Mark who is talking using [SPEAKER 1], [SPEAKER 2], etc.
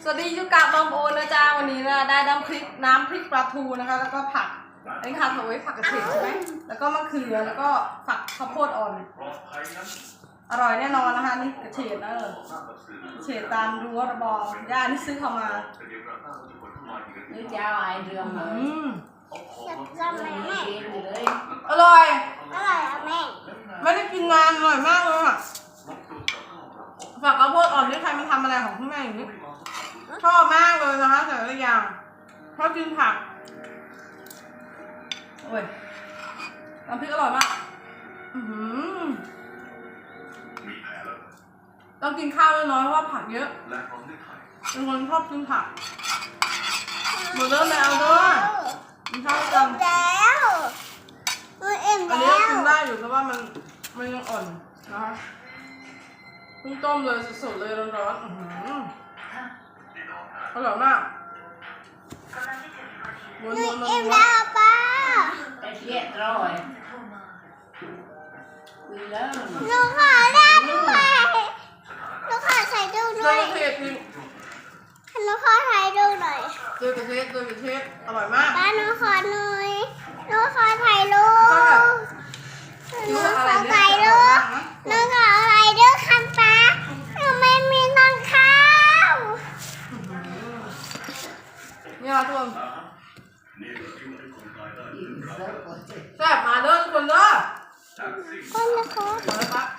[SPEAKER 1] สวัสดียูกะบอมโอนะจ๊ะวันนี้นะได้น้ำพริกปลาทูนะคะแล้วก็ผักอันนี้ค่ะเอาไว้ผักกระเฉดใช่ไหมแล้วก็มะเขือแล้วก็ผักข้าวโพดอ่อนอร่อยแน่นอนนะคะนี่กระเฉดนะเฉดตามรั้วระบองย่านี่ซื้อเข้ามา
[SPEAKER 2] นี่เจ้าไอเรื่องเลย
[SPEAKER 3] จำแม่แม่
[SPEAKER 1] อร่อย
[SPEAKER 3] อร่อยอ่ะแม่
[SPEAKER 1] ไม่ได้กินนานอร่อยมากเลยค่ะผักข้าวโพดอ่อนนี่ใครมันทำอะไรของคุณแม่อย่างนี้ชอบมากเลยนะคะแต่ละอย่างชอบกินผักโอ้ยน้ำพริกอร่อยมากต้องกินข้าวน้อยเพราะว่าผักเยอะเป็นคนชอบกินผักหมดเริ่มแล้วด้วยกินข้าวกัน
[SPEAKER 3] แล้วเอ็ม
[SPEAKER 1] อันนี้
[SPEAKER 3] แล้ว
[SPEAKER 1] กินได้อยู่แต่ว่ามันยังอ่อนนะคะเพิ่งต้มเลยสดๆเลยร้อนๆอร่อยมาก
[SPEAKER 3] เอ็มแล้วป้า
[SPEAKER 2] เรียบร้อยคุยแล้ว
[SPEAKER 3] หนูขอได้ด้วยหนูขอใส่ดูหน่อยหนูขอถ่ายดูหน่อย
[SPEAKER 1] เจอกระเทศอร่อยมาก
[SPEAKER 3] ป้าหนูขอหน่อยหนูขอถ่ายรูปหนูขอถ่ายรูปหนูขอถ่ายรูปคันป้าหนูไม่มีตังข้าว
[SPEAKER 1] นี่ค่ะทุกคนแซ่บมาเด้อทุกคนเด้อ
[SPEAKER 3] คนละคน
[SPEAKER 1] มาแล้วครับ